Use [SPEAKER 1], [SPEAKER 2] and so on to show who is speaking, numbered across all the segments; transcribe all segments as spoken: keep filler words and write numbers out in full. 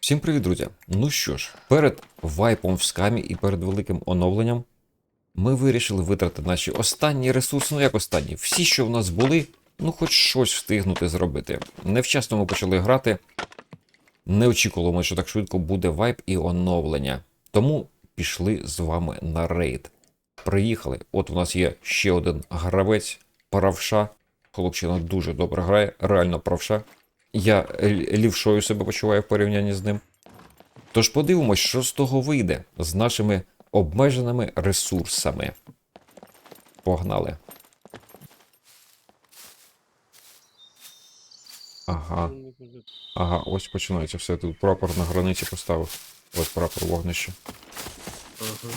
[SPEAKER 1] Всім привіт, друзі! Ну що ж, перед вайпом в скамі і перед великим оновленням ми вирішили витратити наші останні ресурси, ну як останні, всі, що в нас були, ну хоч щось встигнути зробити. Невчасно ми почали грати, не очікували, що так швидко буде вайп і оновлення. Тому пішли з вами на рейд. Приїхали, от у нас є ще один гравець, правша. Хлопчина дуже добре грає, реально правша. Я лівшою себе почуваю в порівнянні з ним. Тож подивимось, що з того вийде з нашими обмеженими ресурсами. Погнали. Ага. Ага, ось починається все. Тут прапор на границі поставив. Ось прапор вогнища.
[SPEAKER 2] Ага.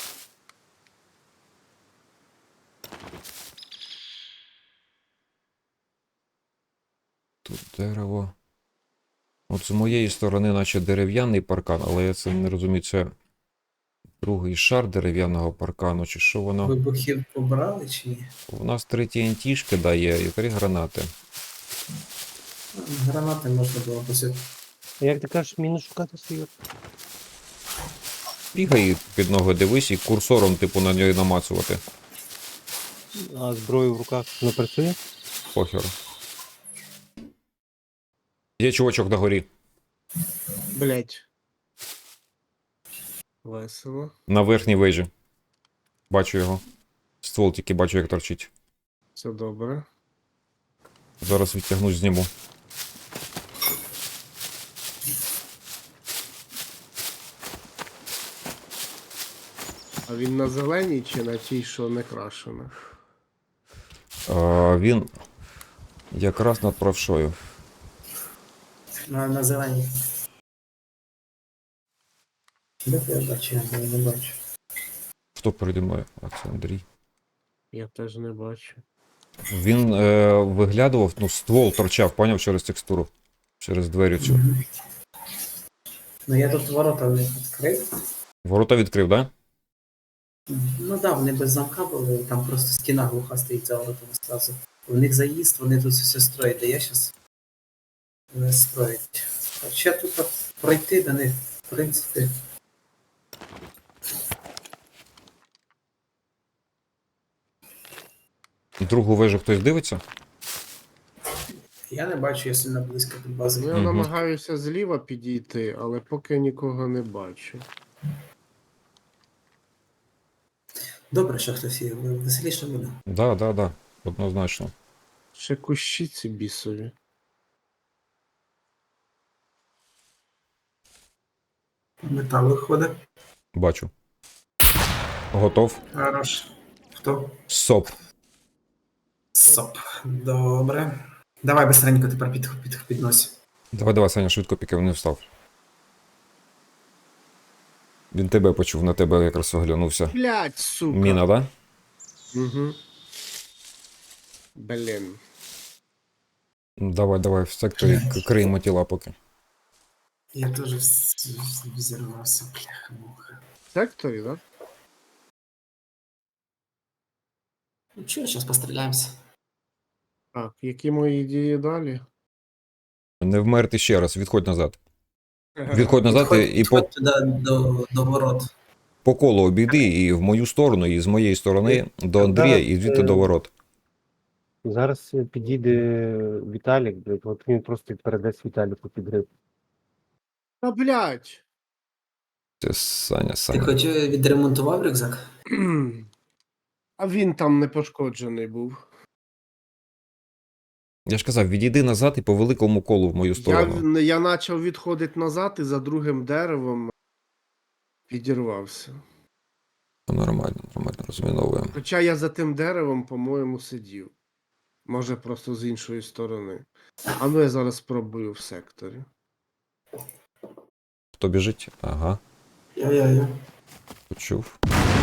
[SPEAKER 1] Тут дерево. От з моєї сторони, наче дерев'яний паркан, але я це не розумію, це другий шар дерев'яного паркану, чи що воно?
[SPEAKER 3] Вибухів побрали чи ні?
[SPEAKER 1] У нас три ті ен ті-шки дає і три гранати.
[SPEAKER 3] Гранати можна було посити.
[SPEAKER 2] А як ти кажеш, міну шукати свою?
[SPEAKER 1] Бігай під ноги, дивись і курсором, типу, на неї намацувати.
[SPEAKER 2] А зброю в руках не працює?
[SPEAKER 1] Похер. Є чувачок на горі.
[SPEAKER 2] Блять. Весело.
[SPEAKER 1] На верхній вежі. Бачу його. Ствол тільки бачу, як торчить.
[SPEAKER 2] Все добре.
[SPEAKER 1] Зараз відтягнусь, зніму.
[SPEAKER 2] А він на зеленій чи на тій, що не крашена?
[SPEAKER 1] А, він якраз над правшою.
[SPEAKER 3] На, на зеленій. Де я бачу, я не бачу.
[SPEAKER 1] Хто переді мною? А це Андрій.
[SPEAKER 2] Я теж не бачу.
[SPEAKER 1] Він е, виглядував, ну, ствол торчав, поняв, через текстуру. Через двері цю.
[SPEAKER 3] Мгм. Ну я тут ворота не відкрив.
[SPEAKER 1] Ворота відкрив, да?
[SPEAKER 3] Ну так, да, вони без замка були, там просто стіна глуха стоїть за воротами зразу. У них заїзд, вони тут все строять, де я зараз не строять. Хоча тут от пройти до них, в принципі.
[SPEAKER 1] Другу вежу хтось дивиться?
[SPEAKER 3] Я не бачу, я сильно близько до бази.
[SPEAKER 2] Ну, я
[SPEAKER 1] Мгм.
[SPEAKER 2] намагаюся зліва підійти, але поки нікого не бачу.
[SPEAKER 3] Добре, що хтось є, веселіше буде.
[SPEAKER 1] Да, да, да. Однозначно.
[SPEAKER 2] Ще кущі ці бісові.
[SPEAKER 3] Метал виходить.
[SPEAKER 1] Бачу. Готов.
[SPEAKER 3] Хорош. Хто?
[SPEAKER 1] Соп.
[SPEAKER 3] Соп. Добре. Давай быстренько тепер під, під, піднось.
[SPEAKER 1] Давай, давай, Саня, швидко, поки він не встав. Він тебе почув, на тебе якраз оглянувся.
[SPEAKER 2] Блять, сука.
[SPEAKER 1] Міна, да?
[SPEAKER 2] Угу. Блін.
[SPEAKER 1] Давай, давай, в секторі к- криємо тіла поки.
[SPEAKER 3] Я теж вз- вз- взірвався, бляха-муха.
[SPEAKER 2] В секторі, да?
[SPEAKER 3] Ну чого, зараз постріляємося.
[SPEAKER 2] Так, які мої дії далі?
[SPEAKER 1] Не вмерти ще раз, відходь назад. Відходь назад і, і по,
[SPEAKER 3] Підходь туди до, до ворот.
[SPEAKER 1] по колу обійди і в мою сторону, і з моєї сторони до Андрія, і звідти до ворот.
[SPEAKER 4] Зараз підійде Віталік, блядь, от він просто передасть Віталіку підрив.
[SPEAKER 2] Та блять.
[SPEAKER 1] Це Саня,
[SPEAKER 3] Ти
[SPEAKER 1] Саня.
[SPEAKER 3] хоч відремонтував рюкзак?
[SPEAKER 2] А він там не пошкоджений був.
[SPEAKER 1] Я ж казав, відійди назад і по великому колу в мою
[SPEAKER 2] Я,
[SPEAKER 1] сторону.
[SPEAKER 2] я почав відходити назад і за другим деревом підірвався.
[SPEAKER 1] Нормально, нормально, розміновуємо.
[SPEAKER 2] Хоча я за тим деревом, по-моєму, сидів. Може, просто з іншої сторони. А ну я зараз спробую в секторі.
[SPEAKER 1] Хто біжить? Ага,
[SPEAKER 3] Я-я-я.
[SPEAKER 1] почув.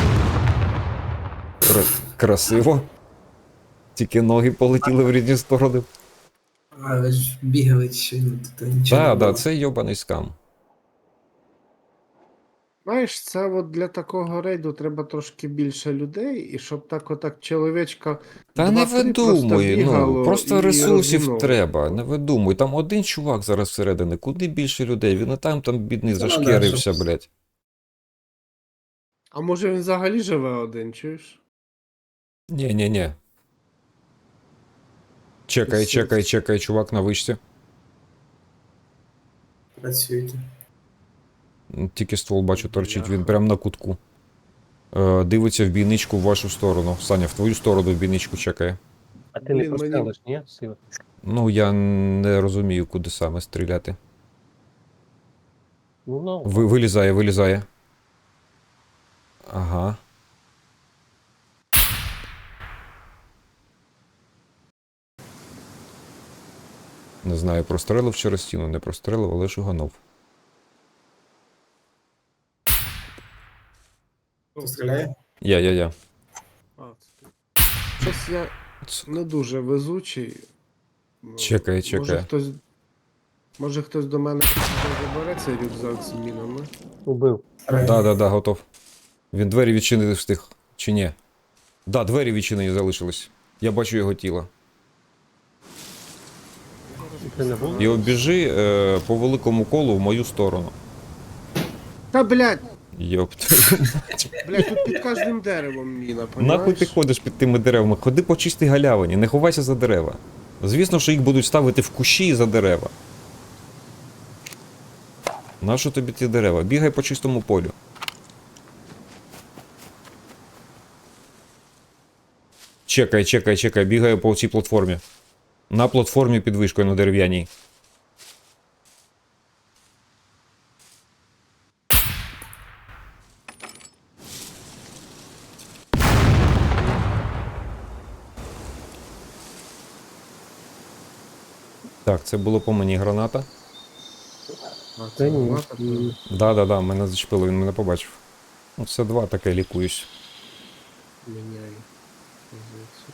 [SPEAKER 1] Кра- красиво. Тільки ноги полетіли в різні сторони.
[SPEAKER 3] А, ви ж бігали чи ні, тут нічого
[SPEAKER 1] Так,
[SPEAKER 3] не
[SPEAKER 1] так,
[SPEAKER 3] було.
[SPEAKER 1] це йобаний скам.
[SPEAKER 2] Знаєш, це от для такого рейду треба трошки більше людей, і щоб так отак чоловічка
[SPEAKER 1] Та не
[SPEAKER 2] два-три просто
[SPEAKER 1] видумуй, ну,
[SPEAKER 2] бігало
[SPEAKER 1] просто
[SPEAKER 2] і
[SPEAKER 1] ресурсів
[SPEAKER 2] розміновувало.
[SPEAKER 1] треба, не видумуй. Там один чувак зараз всередині, куди більше людей, він і там, там бідний
[SPEAKER 3] Це надо,
[SPEAKER 1] зашкірився,
[SPEAKER 3] щоб-
[SPEAKER 1] блядь.
[SPEAKER 2] А може він взагалі живе один, чуєш?
[SPEAKER 1] Ні-ні-ні. Чекай,
[SPEAKER 2] Пиздець.
[SPEAKER 1] чекай, чекай, чувак на вишці.
[SPEAKER 3] Працюйте.
[SPEAKER 1] Тільки ствол бачу торчить, він
[SPEAKER 2] Бляха.
[SPEAKER 1] прям на кутку. Е, дивиться в бійничку в вашу сторону. Саня, в твою сторону в бійничку чекає.
[SPEAKER 4] А ти не
[SPEAKER 2] Блін, мені-
[SPEAKER 4] прострелиш, ні? Сила.
[SPEAKER 1] Ну, я не розумію, куди саме стріляти.
[SPEAKER 4] Ну, ну.
[SPEAKER 1] Ви, вилізає, вилізає. Ага. Не знаю, прострелив через стіну, не прострелив, але шуганув.
[SPEAKER 3] Хто стріляє?
[SPEAKER 1] Я, я, я.
[SPEAKER 2] А, це ти. Щось я
[SPEAKER 1] Ц-
[SPEAKER 2] не дуже везучий. Ну,
[SPEAKER 1] Чекай,
[SPEAKER 2] Може
[SPEAKER 1] чекай.
[SPEAKER 2] хтось, може хтось до мене забере цей рюкзак з мінами.
[SPEAKER 4] Убив.
[SPEAKER 1] Да, да, да, готов. Він двері відчинити встиг. Чи ні? Да, двері відчинені залишились. Я бачу його тіло.
[SPEAKER 4] Ти не був?
[SPEAKER 1] І обіжи е, по великому колу в мою сторону.
[SPEAKER 2] Та блядь,
[SPEAKER 1] Йопт.
[SPEAKER 2] блядь, тут під кожним деревом міна,
[SPEAKER 1] Нахуй
[SPEAKER 2] понімаєш?
[SPEAKER 1] ти ходиш під тими деревами? Ходи по чистій галявині, не ховайся за дерева. Звісно, що їх будуть ставити в кущі і за дерева. Нащо тобі ті дерева? Бігай по чистому полю. Чекай, чекай, чекай, бігаю по цій платформі. На платформі під вишкою на дерев'яній. Так, це було по мені граната.
[SPEAKER 2] А,
[SPEAKER 4] Та
[SPEAKER 2] це
[SPEAKER 4] ні.
[SPEAKER 2] була така?
[SPEAKER 4] м,
[SPEAKER 1] Да-да-да, мене зачепило, він мене побачив. Ну, це два таке лікуюсь.
[SPEAKER 2] Міняю позицію.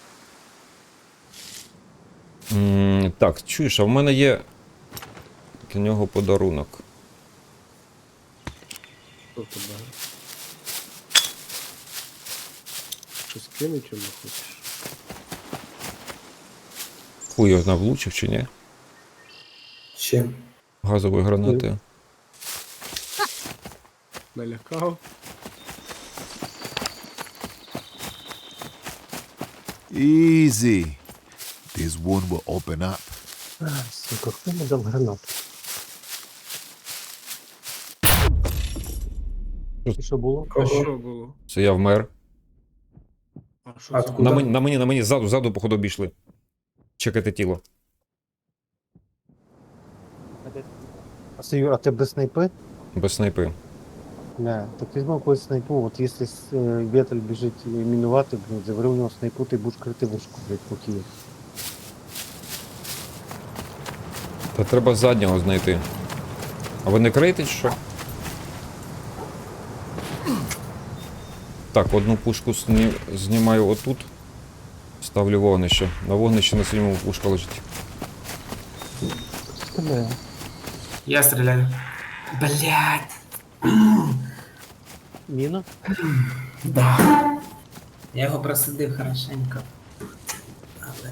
[SPEAKER 1] М, так, чуєш, а в мене є для нього подарунок.
[SPEAKER 2] Хто тебе? Щось кинуть йому хочеш?
[SPEAKER 1] Хуй його знав, влучив чи ні?
[SPEAKER 3] Чим?
[SPEAKER 1] Газовою гранатою.
[SPEAKER 2] Налякав?
[SPEAKER 5] Easy. This wound will open up.
[SPEAKER 4] а, Сука, хто мені дав гранату? І що було?
[SPEAKER 2] А
[SPEAKER 3] Кого?
[SPEAKER 2] що було?
[SPEAKER 1] Це я вмер.
[SPEAKER 2] А що
[SPEAKER 3] А
[SPEAKER 2] це
[SPEAKER 3] откуда?
[SPEAKER 1] На
[SPEAKER 2] було?
[SPEAKER 1] мені, на мені, на мені, ззаду, ззаду, походу, обійшли. Чекайте тіло.
[SPEAKER 4] А де- А це Юра, а ти без снайпи?
[SPEAKER 1] Без снайпи.
[SPEAKER 4] Не, так візьми якусь снайпу, от якщо с- е, Вєтель біжить мінувати, блін, забери у нього снайпу, ти будеш крити вишку, блядь, поки є.
[SPEAKER 1] Та треба заднього знайти. А ви не криєте чи що? Так, одну пушку сні... знімаю отут. Ставлю вогнище. На вогнище на синьому пушка лежить.
[SPEAKER 4] Стріляє.
[SPEAKER 3] Я стріляю. Блять.
[SPEAKER 4] Міна?
[SPEAKER 3] Да. Я його просидив хорошенько. Але.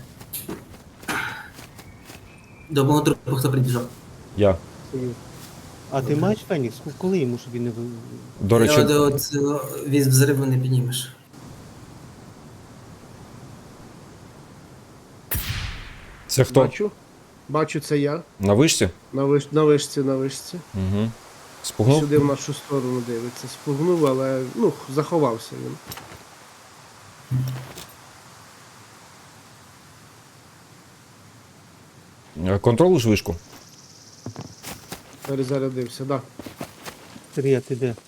[SPEAKER 3] До мого друга хто прибіжав.
[SPEAKER 1] Я.
[SPEAKER 4] Це Юра. А ти маєш Фенікс? Коли йому, щоб він не ви...
[SPEAKER 1] До речі,
[SPEAKER 3] Я от, от, від взриву не піднімеш.
[SPEAKER 1] це хто?
[SPEAKER 2] Бачу. Бачу, це я.
[SPEAKER 1] На вишці?
[SPEAKER 2] На, виш... на вишці, на вишці.
[SPEAKER 1] Угу. Спугнув?
[SPEAKER 2] Сюди в нашу сторону дивиться. Спугнув, але ну, заховався він.
[SPEAKER 1] Е, Контролиш вишку?
[SPEAKER 2] Перезарядився, так. Да.
[SPEAKER 4] Сергій, ти де?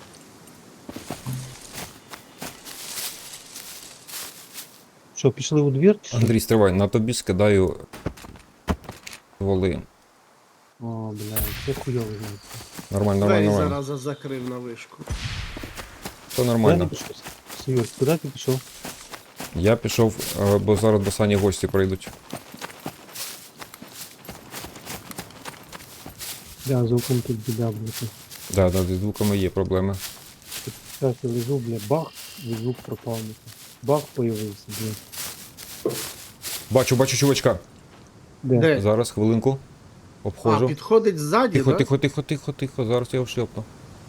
[SPEAKER 4] Що, пішли у двір? чи що?
[SPEAKER 1] Андрій, стривай, на тобі скидаю воли.
[SPEAKER 4] О, блядь, це хуйово, знаєте.
[SPEAKER 1] Нормально,
[SPEAKER 2] Двері
[SPEAKER 1] нормально, нормально.
[SPEAKER 2] зараза закрив на вишку.
[SPEAKER 1] Все
[SPEAKER 4] Куди ти
[SPEAKER 1] нормально.
[SPEAKER 4] пішов? Сергій, куди ти пішов?
[SPEAKER 1] Я пішов, е, бо зараз до Сані гості прийдуть.
[SPEAKER 4] Я звуком тут біда, блядь.
[SPEAKER 1] Да, да, зі звуками є проблеми.
[SPEAKER 4] Зараз я лежу, бля, бах, і звук пропав. Бах появився, бля.
[SPEAKER 1] Бачу, бачу чувачка.
[SPEAKER 4] Де?
[SPEAKER 2] Де?
[SPEAKER 1] Зараз, хвилинку.
[SPEAKER 2] А,
[SPEAKER 1] Обходжу.
[SPEAKER 2] підходить ззаді,
[SPEAKER 1] Тихо,
[SPEAKER 2] да?
[SPEAKER 1] тихо, тихо, тихо, тихо. Зараз я його шльопну.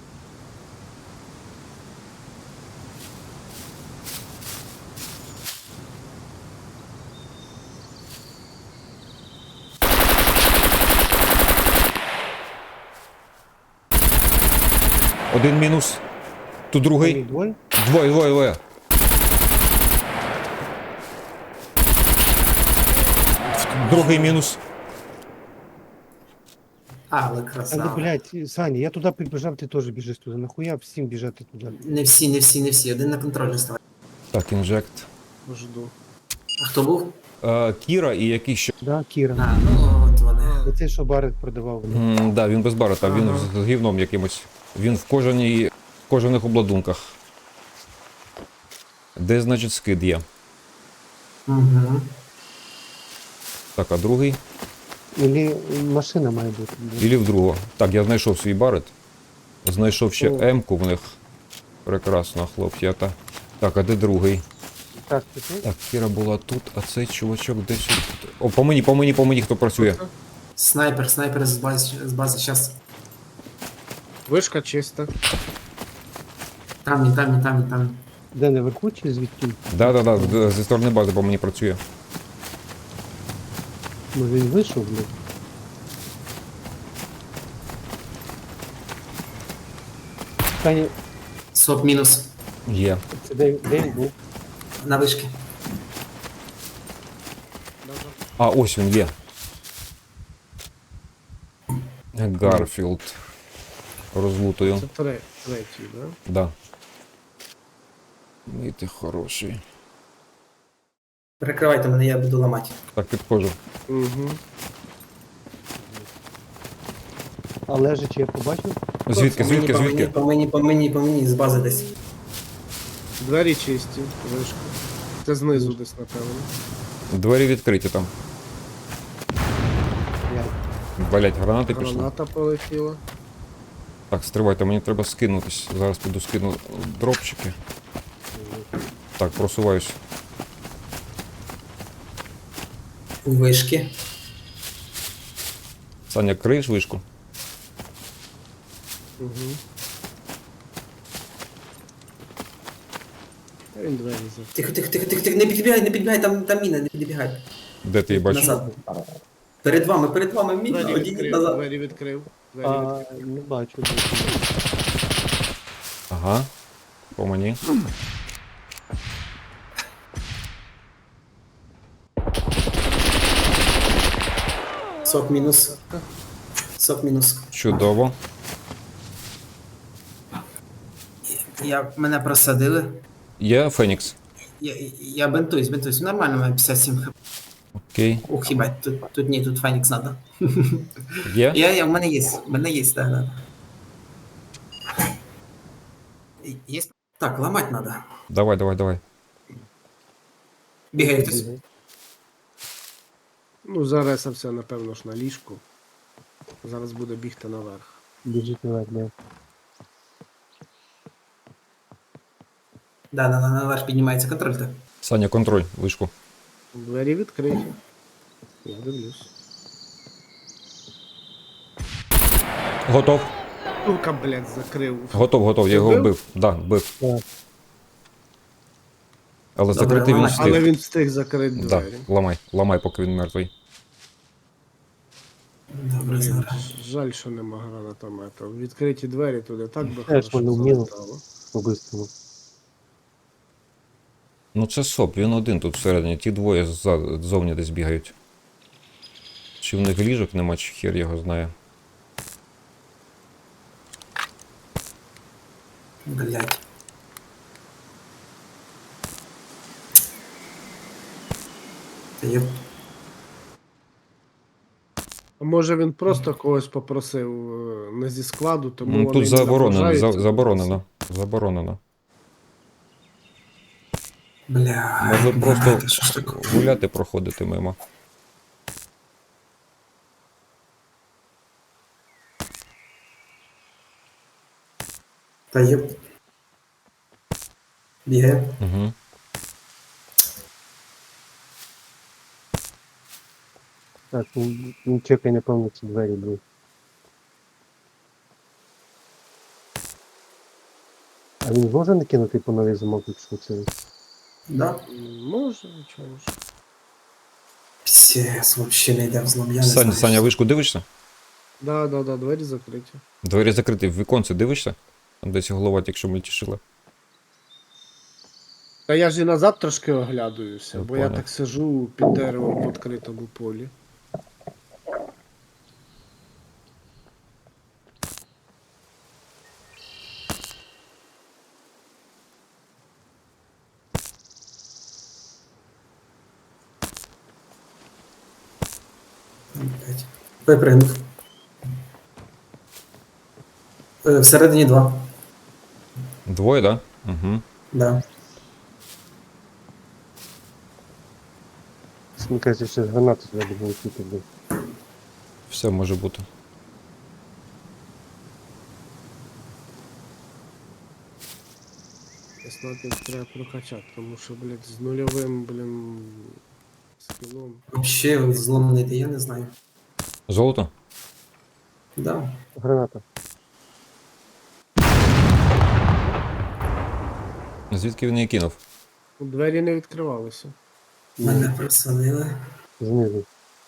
[SPEAKER 1] Один мінус. Тут
[SPEAKER 4] Вони
[SPEAKER 1] другий.
[SPEAKER 4] двоє?
[SPEAKER 1] Двоє, двоє, двоє. Другий мінус.
[SPEAKER 3] А, але
[SPEAKER 4] Але,
[SPEAKER 3] красава.
[SPEAKER 4] блядь, Саня, я туди прибіжав, ти теж біжиш туди. Нахуя всім біжати туди?
[SPEAKER 3] Не всі, не всі, не всі. Один на контролі ставить.
[SPEAKER 1] Так, інжект.
[SPEAKER 2] Жду.
[SPEAKER 3] А хто був?
[SPEAKER 1] Е, Кіра і який ще.
[SPEAKER 4] Да, Кіра.
[SPEAKER 3] А, ну от вони.
[SPEAKER 4] Оце, що Барет продавав. бля.
[SPEAKER 1] М, да, він без барета, він
[SPEAKER 2] Ага.
[SPEAKER 1] з з гівном якимось. Він в кожаній, в кожаних обладунках. Де, значить, скид є?
[SPEAKER 3] Угу.
[SPEAKER 1] Так, а другий?
[SPEAKER 4] Ілі машина має бути. бля.
[SPEAKER 1] Ілі в другого. Так, я знайшов свій барет. Знайшов ще
[SPEAKER 4] О.
[SPEAKER 1] М-ку в них. Прекрасно, хлоп'ята. Так, а де другий?
[SPEAKER 4] Так, ти тут?
[SPEAKER 1] Так, Кіра була тут, а цей чувачок десь. тут. О, по мені, по мені, по мені, хто працює.
[SPEAKER 3] Снайпер, снайпер з бази, з бази зараз.
[SPEAKER 2] Вишка чиста.
[SPEAKER 3] Там, і там, і там, і там.
[SPEAKER 4] Де наверху чи звідки?
[SPEAKER 1] Да, да, да, з- зі сторони бази по мені працює.
[SPEAKER 4] Може він вийшов, блядь? Саня,
[SPEAKER 3] Соп мінус.
[SPEAKER 1] Є.
[SPEAKER 4] це де, де він був?
[SPEAKER 3] На вишки.
[SPEAKER 1] А, ось він є. Гарфілд. Розлутую.
[SPEAKER 2] Це тре- третій, да?
[SPEAKER 1] Да. І ти хороший.
[SPEAKER 3] Перекривайте мене, я буду ламати.
[SPEAKER 1] Так, підходжу.
[SPEAKER 2] Угу.
[SPEAKER 4] А лежачи я побачив?
[SPEAKER 1] Звідки,
[SPEAKER 3] По мені,
[SPEAKER 1] звідки,
[SPEAKER 3] по мені,
[SPEAKER 1] звідки?
[SPEAKER 3] по мені, по мені, по мені, з бази десь.
[SPEAKER 2] Двері чисті, вишка. Це знизу десь, напевно.
[SPEAKER 1] Двері відкриті там.
[SPEAKER 4] Я.
[SPEAKER 1] Валять гранати пішли.
[SPEAKER 2] Граната полетіла.
[SPEAKER 1] Так, стривайте, мені треба скинутись. Зараз піду скину дропчики. Так, просуваюсь.
[SPEAKER 3] У вишки.
[SPEAKER 1] Саня, криєш вишку?
[SPEAKER 2] Угу. Та він двері закрив.
[SPEAKER 3] Тихо, тихо, тихо, тихо, тихо, не підбігай, не підбігай, там, там міна, не підбігай.
[SPEAKER 1] Де ти її бачиш?
[SPEAKER 3] Назад. Перед вами, перед вами міна,
[SPEAKER 2] Двері
[SPEAKER 3] одійдіть
[SPEAKER 2] відкрив,
[SPEAKER 3] назад.
[SPEAKER 2] двері відкрив. Двері
[SPEAKER 4] А,
[SPEAKER 2] відкрив.
[SPEAKER 4] не бачу. де.
[SPEAKER 1] Ага. По мені.
[SPEAKER 3] Сок мінус. Сок мінус.
[SPEAKER 1] Чудово.
[SPEAKER 3] Я, мене просадили.
[SPEAKER 1] Є Фенікс.
[SPEAKER 3] Я, я бентуюсь, бентуюсь. Нормально, у мене п'ятдесят сім хп.
[SPEAKER 1] Окей.
[SPEAKER 3] Ух, їбать, тут, тут ні, тут Фенікс надо.
[SPEAKER 1] Є?
[SPEAKER 3] Я, я, у мене є, у мене є, так, да. Є? Так, ламать надо.
[SPEAKER 1] Давай, давай, давай.
[SPEAKER 3] Бігає хтось.
[SPEAKER 2] Ну, заресався, напевно ж, на ліжку. Зараз буде бігти наверх.
[SPEAKER 4] Біжить наверх, да.
[SPEAKER 3] Да, на, на, наверх піднімається контроль, так.
[SPEAKER 1] Саня, контроль, вишку.
[SPEAKER 2] Двері відкриті. Я дивлюсь.
[SPEAKER 1] Готов.
[SPEAKER 2] Сука, блядь, закрив.
[SPEAKER 1] Готов, готов, я його
[SPEAKER 2] Вбив?
[SPEAKER 1] вбив. Да, вбив.
[SPEAKER 4] Так.
[SPEAKER 1] Але
[SPEAKER 3] Добре,
[SPEAKER 1] закрити він
[SPEAKER 3] ламай.
[SPEAKER 1] встиг.
[SPEAKER 2] Але він встиг закрити
[SPEAKER 1] Да,
[SPEAKER 2] двері.
[SPEAKER 1] ламай, ламай, поки він мертвий.
[SPEAKER 3] Добре,
[SPEAKER 2] Блін,
[SPEAKER 3] зараз.
[SPEAKER 2] жаль, що нема гранатомета. Відкриті двері туди так би
[SPEAKER 4] Теж
[SPEAKER 2] хорошо
[SPEAKER 4] воно вміло.
[SPEAKER 2] залетало.
[SPEAKER 4] По-бистрому.
[SPEAKER 1] Ну це соп, він один тут всередині, ті двоє зза- ззовні десь бігають. Чи в них ліжок нема, чи хер його знає.
[SPEAKER 3] Блять. Та є.
[SPEAKER 2] А може він просто когось попросив е, не зі складу, тому
[SPEAKER 1] Ну,
[SPEAKER 2] вони
[SPEAKER 1] тут
[SPEAKER 2] не
[SPEAKER 1] заборонено,
[SPEAKER 2] наближаються
[SPEAKER 1] за,
[SPEAKER 2] до
[SPEAKER 1] заборонено. Заборонено.
[SPEAKER 3] Бля.
[SPEAKER 1] Може просто
[SPEAKER 3] бля, що ж таке?
[SPEAKER 1] гуляти, проходити мимо.
[SPEAKER 3] Та є. Бігає.
[SPEAKER 1] Угу.
[SPEAKER 4] Так, він, він чекає, напевно, ці двері були. А він може накинути по новий замок, якщо це?
[SPEAKER 3] Да?
[SPEAKER 2] М, Може, нічого ж.
[SPEAKER 3] Псєс, вообще не йде взлом, я не
[SPEAKER 1] Саня,
[SPEAKER 3] знаю.
[SPEAKER 1] Саня,
[SPEAKER 3] що-
[SPEAKER 1] вишку дивишся?
[SPEAKER 2] Да, да, да, двері закриті.
[SPEAKER 1] Двері закриті, в віконце дивишся? Там десь голова тільки мельтішила.
[SPEAKER 2] Та я ж і назад трошки оглядаюся,
[SPEAKER 1] Я
[SPEAKER 2] бо я
[SPEAKER 1] понял.
[SPEAKER 2] так сижу під деревом в відкритому полі.
[SPEAKER 3] Опять. Випригнув. Е, Всередині два.
[SPEAKER 1] Двоє, да? Угу.
[SPEAKER 3] Да.
[SPEAKER 4] Мені кажеться, ще гранати треба було летіти. блін.
[SPEAKER 1] Все може бути.
[SPEAKER 2] Снайпер треба прокачати, тому що, блядь, з нульовим, блін, скілом.
[SPEAKER 3] Вообще взлом не йде, я не знаю.
[SPEAKER 1] Золото?
[SPEAKER 3] Да.
[SPEAKER 4] Граната.
[SPEAKER 1] Звідки він її кинув?
[SPEAKER 2] Двері не відкривалися.
[SPEAKER 3] Мене присадили.
[SPEAKER 4] Знизу.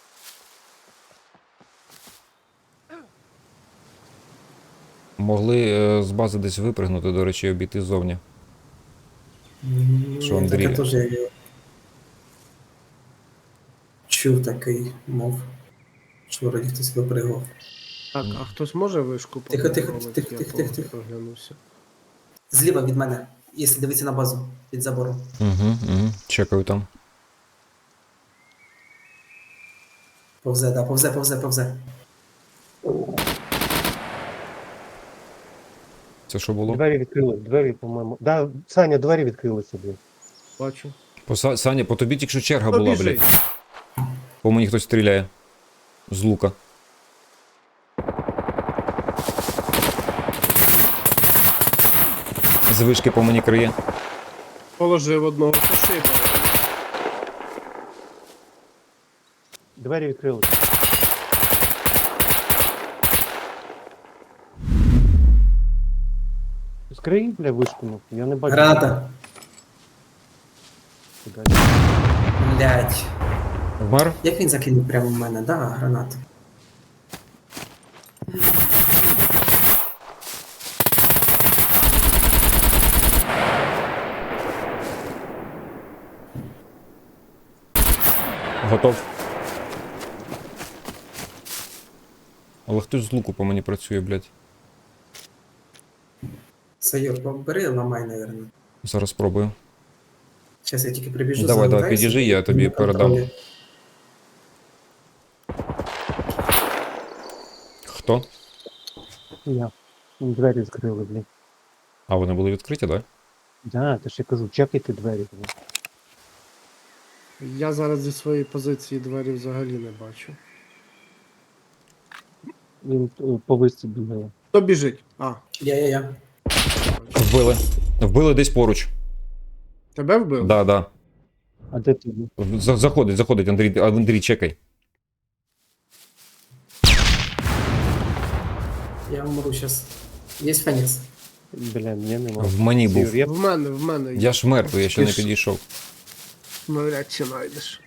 [SPEAKER 1] Могли е, з бази десь випригнути, до речі, і обійти ззовні.
[SPEAKER 3] М,
[SPEAKER 1] Що,
[SPEAKER 3] я
[SPEAKER 1] Андрій?
[SPEAKER 3] таке теж я чув такий мов. Що вроді хтось випригав.
[SPEAKER 2] Так, а хтось може вишку
[SPEAKER 3] Тихо, тихо,
[SPEAKER 2] попробувати?
[SPEAKER 3] тихо,
[SPEAKER 2] Я
[SPEAKER 3] тихо,
[SPEAKER 2] по-
[SPEAKER 3] тихо, тихо.
[SPEAKER 2] проглянувся.
[SPEAKER 3] Зліва від мене, якщо дивитися на базу під забором.
[SPEAKER 1] Угу, угу. Чекаю там.
[SPEAKER 3] Повзе, да, повзе, повзе, повзе.
[SPEAKER 1] Це що було?
[SPEAKER 4] Двері відкрили, двері, по-моєму. Да, Саня, двері відкрилися, блін.
[SPEAKER 2] Бачу.
[SPEAKER 1] По Са- Саня, по тобі тільки що черга була,
[SPEAKER 2] Побіжи.
[SPEAKER 1] блядь. По мені хтось стріляє. З лука. З вишки по мені криє.
[SPEAKER 2] Положив одного пошиба.
[SPEAKER 4] Двері відкрилися. Скрий, бля, вишку, ну. Я не бачу.
[SPEAKER 3] Граната.
[SPEAKER 4] Куди.
[SPEAKER 3] Блять.
[SPEAKER 1] Вмер?
[SPEAKER 3] Як він закинув прямо в мене? Да, гранату.
[SPEAKER 1] Готов. Але хтось з луку по мені працює, блядь.
[SPEAKER 3] Сайор, бери, ламай, наверное.
[SPEAKER 1] Зараз спробую.
[SPEAKER 3] Зараз я тільки прибіжу.
[SPEAKER 1] Давай, давай,
[SPEAKER 3] залутаюся,
[SPEAKER 1] підіжи, я
[SPEAKER 3] і
[SPEAKER 1] тобі
[SPEAKER 3] на контролі.
[SPEAKER 1] передам. Хто?
[SPEAKER 4] Я. Двері відкрили, блін.
[SPEAKER 1] А, вони були відкриті, так? Да?
[SPEAKER 4] Да, то ж я кажу, чекайте двері. Блін.
[SPEAKER 2] Я зараз зі своєї позиції двері взагалі не бачу.
[SPEAKER 4] Він е, по висці бігає.
[SPEAKER 2] Хто біжить? А,
[SPEAKER 3] Я-я-я.
[SPEAKER 1] Вбили. Вбили десь поруч.
[SPEAKER 2] тебе вбив?
[SPEAKER 1] Да, да.
[SPEAKER 4] А де ти був?
[SPEAKER 1] За- Заходить, заходить, Андрій, а, Андрій, чекай.
[SPEAKER 3] Я умру зараз. Є Фенікс.
[SPEAKER 4] Бля, мене нема.
[SPEAKER 1] В мені був.
[SPEAKER 4] Сігур, я
[SPEAKER 2] В мене, в мене.
[SPEAKER 1] Я ж мертвий, я ще не
[SPEAKER 2] Ти ж-
[SPEAKER 1] підійшов.
[SPEAKER 2] Навряд чи знайдеш.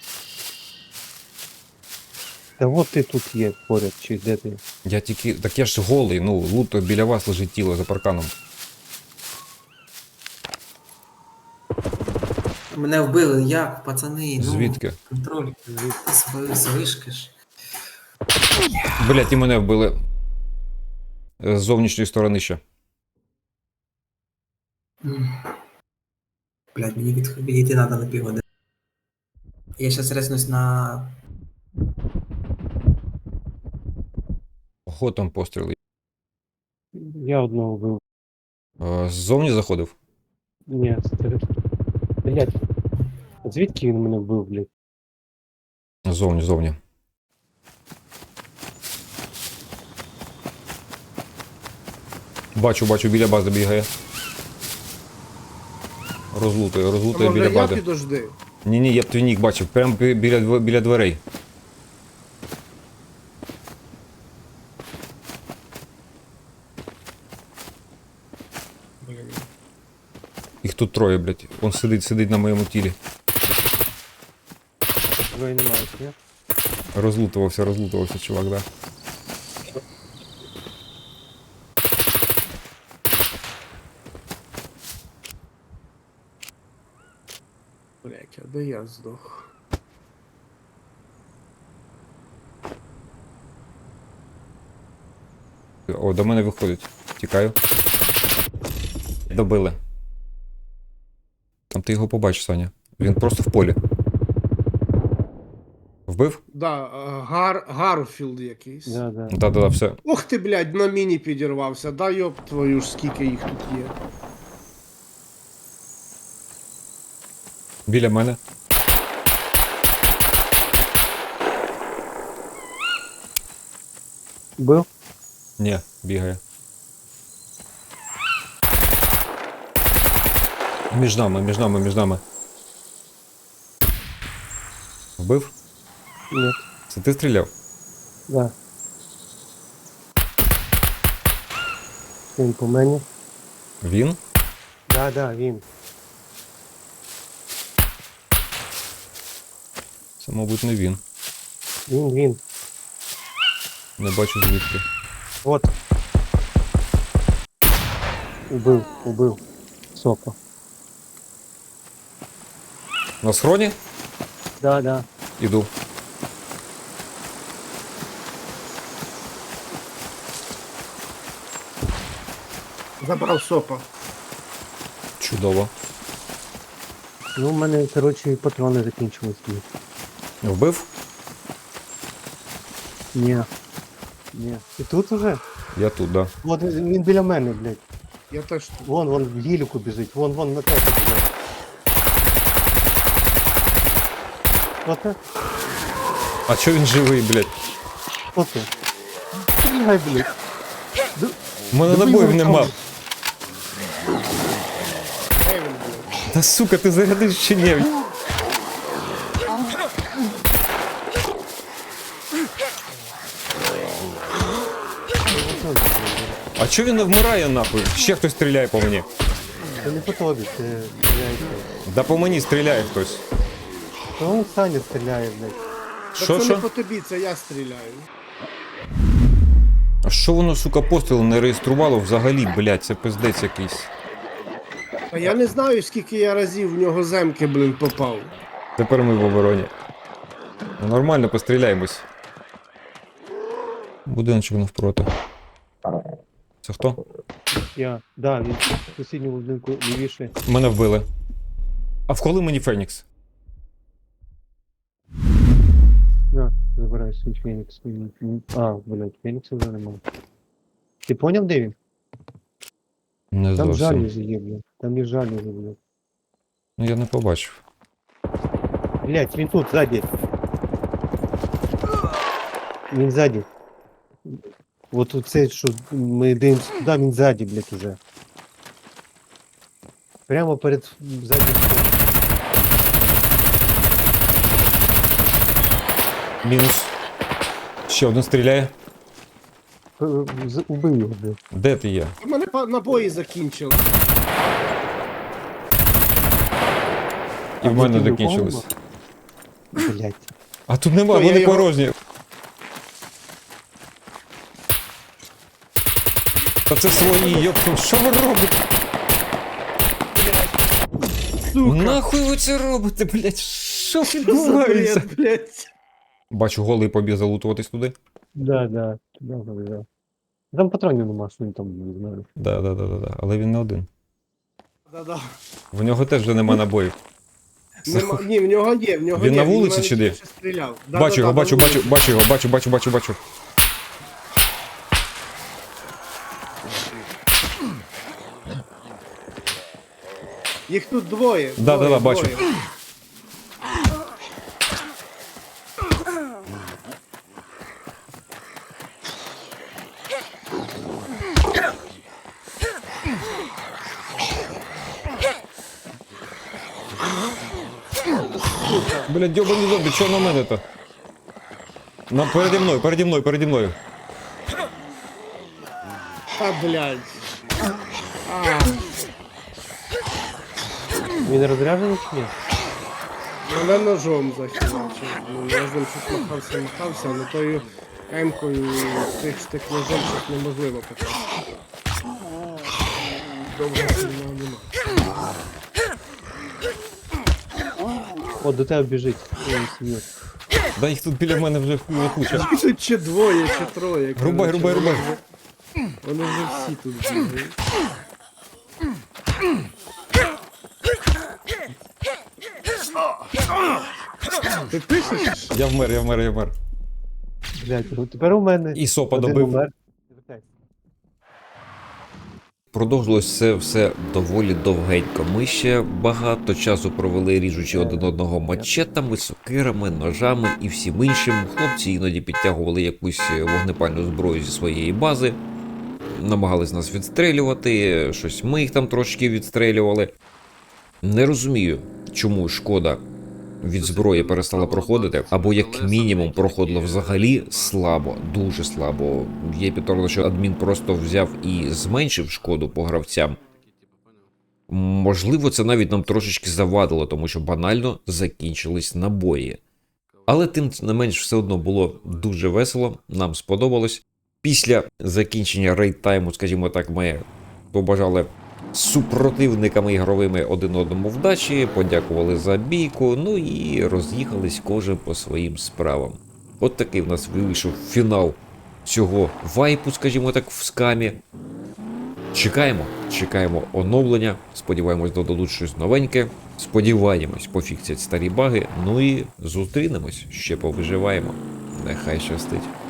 [SPEAKER 4] Та от ти тут є поряд, чи де ти?
[SPEAKER 1] Я тільки. Так я ж голий, ну, лут біля вас лежить тіло за парканом.
[SPEAKER 3] Мене вбили, як, пацани? Ну,
[SPEAKER 1] Звідки?
[SPEAKER 3] контроль. З, з вишки ж.
[SPEAKER 1] Блять, і мене вбили. З зовнішньої сторони ще.
[SPEAKER 3] М. Блядь, мені від, відійти треба на півгодини. Я зараз резнусь на...
[SPEAKER 1] Ого, там постріли.
[SPEAKER 4] Я одного вбив.
[SPEAKER 1] Е, Ззовні заходив?
[SPEAKER 4] Ні, це ти. Блять. Звідки він мене вбив, блядь?
[SPEAKER 1] Ззовні, ззовні. Бачу, бачу, біля бази бігає. Розлутує,
[SPEAKER 2] А
[SPEAKER 1] розлутує
[SPEAKER 2] може
[SPEAKER 1] біля
[SPEAKER 2] я
[SPEAKER 1] бази.
[SPEAKER 2] підожди?
[SPEAKER 1] Ні, ні, я б твій нік бачив, прямо бі- біля, дв- біля дверей.
[SPEAKER 2] Блін.
[SPEAKER 1] Їх тут троє, блядь. Он сидить, сидить на моєму тілі.
[SPEAKER 4] Твої немає, ні?
[SPEAKER 1] Розлутувався, розлутувався, чувак, да.
[SPEAKER 2] Блять, а де я здох?
[SPEAKER 1] О, до мене виходить. Тікаю. Добили. Там ти його побачиш, Саня. Він просто в полі. Вбив?
[SPEAKER 2] Да, е, Гар... Гарфілд якийсь.
[SPEAKER 4] Да, да.
[SPEAKER 1] Да-да-да, все.
[SPEAKER 2] Ох ти, блядь, на міні підірвався. Да йоп твою ж, скільки їх тут є.
[SPEAKER 1] Біля мене.
[SPEAKER 4] Був?
[SPEAKER 1] Ні, бігає. Між нами, між нами, між нами. Вбив?
[SPEAKER 4] Ні.
[SPEAKER 1] Це ти стріляв?
[SPEAKER 4] Да. Він по мені.
[SPEAKER 1] Він?
[SPEAKER 4] Да, да, він.
[SPEAKER 1] Це, мабуть, не він.
[SPEAKER 4] Він, він.
[SPEAKER 1] Не бачу звідки.
[SPEAKER 4] Вот. Убив, убив. Сопа.
[SPEAKER 1] На схроні?
[SPEAKER 4] Да, да.
[SPEAKER 1] Іду.
[SPEAKER 2] Забрав сопа.
[SPEAKER 1] Чудово.
[SPEAKER 4] Ну, у мене, коротше, патрони закінчились. блін.
[SPEAKER 1] Вбив?
[SPEAKER 4] Ні. Ні. І тут уже?
[SPEAKER 1] Я тут, да.
[SPEAKER 4] От він біля мене, блядь.
[SPEAKER 2] Я теж тут.
[SPEAKER 4] Вон, вон в гіліку біжить. Вон, вон на тебе біжить. Оце?
[SPEAKER 1] А чо він живий, блядь?
[SPEAKER 4] Оце. Стріляй, блядь.
[SPEAKER 1] У мене
[SPEAKER 4] Добий
[SPEAKER 1] набоїв
[SPEAKER 4] його
[SPEAKER 1] нема.
[SPEAKER 4] там.
[SPEAKER 2] Де він, блядь?
[SPEAKER 1] Та сука, ти зарядиш чи ні? А чо він не вмирає нахуй? Ще хтось стріляє по мені.
[SPEAKER 4] Це не по тобі, це стріляється.
[SPEAKER 1] Да по мені стріляє хтось.
[SPEAKER 4] То він Саня стріляє, блядь.
[SPEAKER 2] Та
[SPEAKER 1] Що,
[SPEAKER 2] це
[SPEAKER 1] що?
[SPEAKER 2] не по тобі, це я стріляю.
[SPEAKER 1] А що воно, сука, постріли не реєструвало взагалі, блядь, це пиздець якийсь.
[SPEAKER 2] Та я не знаю, скільки я разів в нього земки, блін, попав.
[SPEAKER 1] Тепер ми в обороні. Ну, нормально, постріляємось. Будиночок навпроти. Це хто?
[SPEAKER 4] Я, да, він в сусідньому будинку лівіше.
[SPEAKER 1] Мене вбили. А вколи мені Фенікс?
[SPEAKER 4] На, забирай свій Фенікс. Він- А, блядь, Фенікса вже немає. Ти поняв, де він?
[SPEAKER 1] Не
[SPEAKER 4] Там
[SPEAKER 1] зовсім.
[SPEAKER 4] жалюзі є, блядь. Там є жалюзі, блядь.
[SPEAKER 1] Ну я не побачив.
[SPEAKER 4] Блядь, він тут, ззаді. Він ззаді. От тут цей, що ми дивимося туди, він ззаді, блядь, уже. Прямо перед заднім фоном.
[SPEAKER 1] Мінус. Ще один стріляє.
[SPEAKER 4] П- з- Убив його, блядь.
[SPEAKER 1] Де ти є?
[SPEAKER 2] У мене па- набої закінчили.
[SPEAKER 1] І в мене
[SPEAKER 4] ти не
[SPEAKER 1] закінчились.
[SPEAKER 4] впав? Блядь.
[SPEAKER 1] А тут нема,
[SPEAKER 2] Що, я
[SPEAKER 1] вони
[SPEAKER 2] його-
[SPEAKER 1] порожні. Та це свої, йопту, що ви робите?
[SPEAKER 2] Сука,
[SPEAKER 1] Нахуй ви це робите, блядь? Що
[SPEAKER 2] що за
[SPEAKER 1] відбувається?
[SPEAKER 2] бред, блядь.
[SPEAKER 1] Бачу, голий побіг залутуватись туди.
[SPEAKER 4] Да, да, да, да, да. Там патронів нема, що він там, не знаю.
[SPEAKER 1] Да, да, да, да, да. Але він не один.
[SPEAKER 2] Да-да.
[SPEAKER 1] В нього теж вже нема набоїв.
[SPEAKER 2] Нема, ні, в нього є, в нього
[SPEAKER 1] Він
[SPEAKER 2] є.
[SPEAKER 1] на вулиці
[SPEAKER 2] в мене
[SPEAKER 1] чи де?
[SPEAKER 2] ще стріляв. Да,
[SPEAKER 1] Бачу
[SPEAKER 2] да,
[SPEAKER 1] його,
[SPEAKER 2] да,
[SPEAKER 1] бачу,
[SPEAKER 2] на
[SPEAKER 1] бачу,
[SPEAKER 2] вулиці.
[SPEAKER 1] бачу його, бачу, бачу, бачу, бачу.
[SPEAKER 2] Їх тут двоє.
[SPEAKER 1] Да,
[SPEAKER 2] двоє,
[SPEAKER 1] да, да, бачу.
[SPEAKER 2] двоє.
[SPEAKER 1] Блядь, дьобані зомбі, що на мене-то? На, переді мною, переді мною, переді мною.
[SPEAKER 2] А, блядь. А,
[SPEAKER 4] Він розряджений чи ні?
[SPEAKER 2] мене ножом захилачив. Ну, я з ним щось махався, махався, але тою емкою тих штик ножом щось неможливо попасти. Довго сильного нема.
[SPEAKER 4] О, до тебе біжить. Ой, сім'ю.
[SPEAKER 1] Да їх тут біля мене вже хуя куча.
[SPEAKER 2] Тут чи двоє, чи троє.
[SPEAKER 1] Рубай,
[SPEAKER 2] коротше,
[SPEAKER 1] рубай,
[SPEAKER 2] вони
[SPEAKER 1] рубай.
[SPEAKER 2] вже- Вони вже всі тут бігають. Ти пишеш?
[SPEAKER 1] Я вмер, я вмер, я вмер.
[SPEAKER 4] Блядь, ну тепер у мене.
[SPEAKER 1] І сопа
[SPEAKER 4] один
[SPEAKER 1] добив.
[SPEAKER 4] умер.
[SPEAKER 1] Продовжилось це все доволі довгенько. Ми ще багато часу провели ріжучи один одного мачетами, сокирами, ножами і всім іншим. Хлопці іноді підтягували якусь вогнепальну зброю зі своєї бази, намагались нас відстрелювати, щось ми їх там трошки відстрелювали. Не розумію, чому шкода від зброї перестала проходити, або як мінімум проходила взагалі слабо, дуже слабо. Є підтверджено, що адмін просто взяв і зменшив шкоду по гравцям. Можливо, це навіть нам трошечки завадило, тому що банально закінчились набої. Але тим не менш все одно було дуже весело, нам сподобалось. Після закінчення рейд-тайму, скажімо так, ми побажали супротивниками ігровими один одному вдачі, подякували за бійку, ну і роз'їхались кожен по своїм справам. От такий в нас вийшов фінал цього вайпу, скажімо так, в скамі. Чекаємо, чекаємо оновлення, сподіваємось, додадуть щось новеньке, сподіваємось, пофіксять старі баги, ну і зустрінемось, ще повиживаємо. Нехай щастить.